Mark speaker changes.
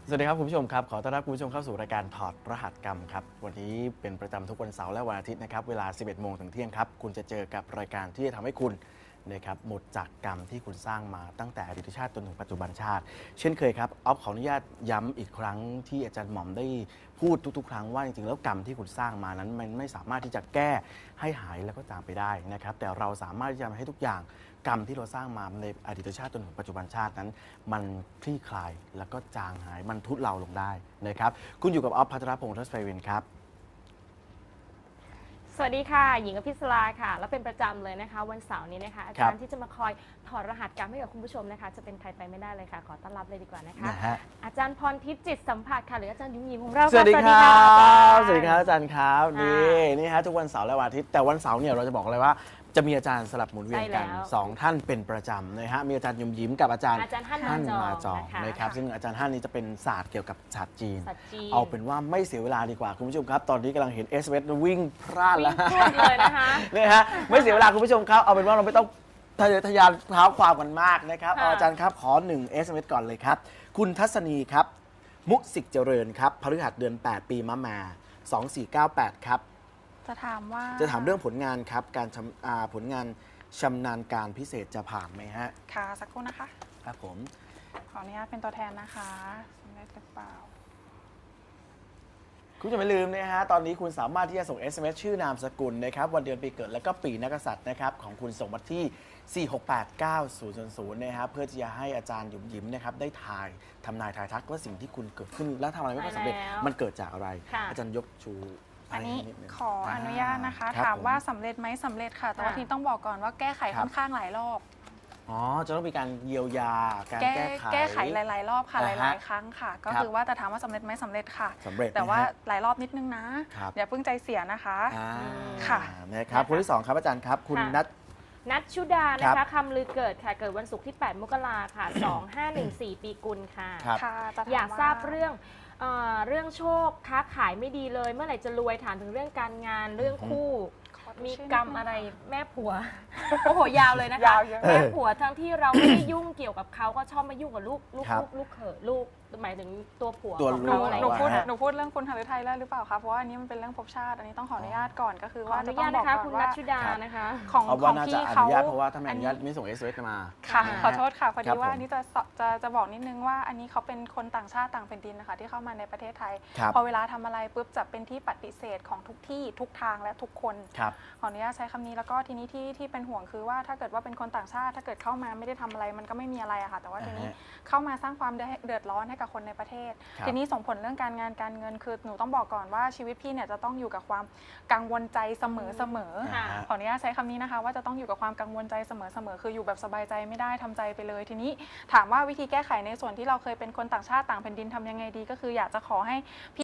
Speaker 1: สวัสดีครับคุณผู้ชมครับขอต้อนรับคุณผู้ชมเข้าสู่รายการถอดรหัสกรรมครับวันนี้เป็นประจำทุกวันเสาร์และวันอาทิตย์นะครับเวลา 11 โมงถึงเที่ยงครับคุณจะเจอกับรายการที่จะทำให้คุณนะครับหมดจากกรรมที่คุณสร้างมาตั้งแต่อดีตชาติจนถึงปัจจุบันชาติเช่นเคยครับออฟขออนุญาตย้ำอีกครั้งที่อาจารย์หม่อมได้พูดทุกๆ ครั้งว่าจริงๆแล้วกรรมที่คุณสร้างมานั้นมันไม่สามารถที่จะแก้ให้หายแล้วก็จางไปได้นะครับแต่เราสามารถที่จะทำให้ทุกอย่างกรรมที่เราสร้างมาในอดีตชาติจนถึงปัจจุบันชาตินั้นมันคลี่คลายแล้วก็จางหายมันทุเลาลงได้นะครับคุณอยู่กับออฟพัทรพงศ์ทศไพวินครับ
Speaker 2: สวัสดีค่ะหญิงอภิสราค่ะแล้วเป็นประจำเลยนะคะวันเสาร์นี้นะคะอาจารย์ที่จะมาคอยถอดรหัสกรรมให้กับคุณผู้ชมนะคะจะเป็นใครไปไม่ได้เลยค่ะขอต้อนรับเลยดีกว่านะคะอาจารย์พรทิพย์จิตสัมผัสค่ะหรืออาจารย์ยิ้มยิ้มของเรา
Speaker 1: สวัสดีครับสวัสดีครับอาจารย์ครับนี่ฮะทุกวันเสาร์และวันอาทิตย์แต่วันเสาร์เนี่ยเราจะบอกเลยว่าจะมีอาจารย์สลับหมุนเวียนกัน2 ท่านเป็นประจำนะฮะมีอาจารย์ยิ้มยิ้มกับอาจารย์ฮั่นมาจองนะครับซึ่งอาจารย์ฮั่นนี้จะเป็นศาสตร์เกี่ยวกับศาสตร์จีนเอาเป็นว่าไม่เสียเวลาดีกว่าคุณผู้ชมครับตอนนี้กำลังเห็นเอสเววิ่งพลาดแล้ว
Speaker 2: เลยนะคะ
Speaker 1: นี่ฮะไม่เสียเวลาคุณผู้ชมครับเอาเป็นว่าเราไม่ต้องทะยานเท้าความกันมากนะครับอาจารย์ครับขอ1 SMS ก่อนเลยครับคุณทัศนีครับมุสิกเจริญครับพฤหัสเดือน8 ปีมะแม่2498ครับจะถามเรื่องผลงานครับการผลงานชำนาญการพิเศษจะผ่านไหมฮะ
Speaker 3: ค่ะสักครู่นะคะ
Speaker 1: ครับผม
Speaker 3: ขออนุญาตเป็นตัวแทนนะคะสำเร็จหรือเปล่า
Speaker 1: คุณจะไม่ลืมนะฮะตอนนี้คุณสามารถที่จะส่ง SMS ชื่อนามสกุลนะครับวันเดือนปีเกิดและก็ปีนักกษัตริย์นะครับของคุณส่งมาที่ 4689000 นะครับเพื่อที่จะให้อาจารย์หยุมยิ้มนะครับได้ทำนายทายทักว่าสิ่งที่คุณเกิดขึ้นและทำอะไรไม่สำเร็จมันเกิดจากอะไรอาจารย์ยกชู
Speaker 3: อันนี้ขออนุญาตนะคะถามว่าสำเร็จไหมสำเร็จค่ะแต่ว่าทีต้องบอกก่อนว่าแก้ไขค่อนข้างหลายรอบ
Speaker 1: จะต้องมีการเยียวยาการ
Speaker 3: แก้ไขหลายๆรอบค่ะหลายๆครั้งค่ะก็คือว่าแต่ถามว่าสำเร็จไหมสำเร็จค่ะแต่ว่าหลายรอบนิดนึงนะอย่าเพิ่งใจเสียนะคะ
Speaker 1: ค่ะนะครับคนที่2ครับอาจารย์ครับคุณ
Speaker 2: นัทชุดานะคะคำลือเกิดค่ะเกิดวันศุกร์ที่8 มกราค่ะ2514 ปีกุลค่ะอยากทราบเรื่องโชคค้าขายไม่ดีเลยเมื่อไหร่จะรวยถามถึงเรื่องการงานเรื่องคู่มีกรรมอะไรแม่ผัวโอ้โหยาวเลยนะคะแม่ผัวทั้งที่เราไม่ได้ยุ่งเกี่ยวกับเขาก็ชอบมายุ่งกับลูกเขยลูกหมายถึงตัวผัวของเราอะไร
Speaker 3: หนูพูดเรื่องคุณหฤทัยแล้วหรือเปล่าคะเพราะว่าอันนี้มันเป็นเรื่องภพชาติอันนี้ต้องขออนุญาตก่อนก็คือว่า
Speaker 2: จะต้องบอกก่อนว่าคุณนัทชุดานะคะ
Speaker 1: ของพี่เขาเพราะว่าถ้าไม่อนุญาตไม่ส่ง SMS มา
Speaker 3: ค่ะขอโทษค่ะพอดีว่าอันนี้จะบอกนิดนึงว่าอันนี้เขาเป็นคนต่างชาติต่างแผ่นดินนะคะที่เข้ามาในประเทศไทยพอเวลาทำอะไรปุ๊บจะเป็นที่ปฏิเสธของทุกที่ทุกทางและทุกคนขออนุญาตใช้คำนี้แล้วก็ทีนี้ที่เป็นห่วงคือว่าถ้าเกิดว่าเป็นคนต่างชาติถ้าเกิดเข้ามาไม่ได้ทำอะไรมันก็ไม่มีอะไรอะค่ะแต่ว่าทีนี้เข้ามาสร้างความเดือดร้อนให้กับคนในประเทศทีนี้ส่งผลเรื่องการงานการเงินคือหนูต้องบอกก่อนว่าชีวิตพี่เนี่ยจะต้องอยู่กับความกังวลใจเสมอขออนุญาตใช้คำนี้นะคะว่าจะต้องอยู่กับความกังวลใจเสมอคืออยู่แบบสบายใจไม่ได้ทำใจไปเลยทีนี้ถามว่าวิธีแก้ไขในส่วนที่เราเคยเป็นคนต่างชาติต่างแผ่นดินทำยังไงดีก็คืออยากจะขอให้พี่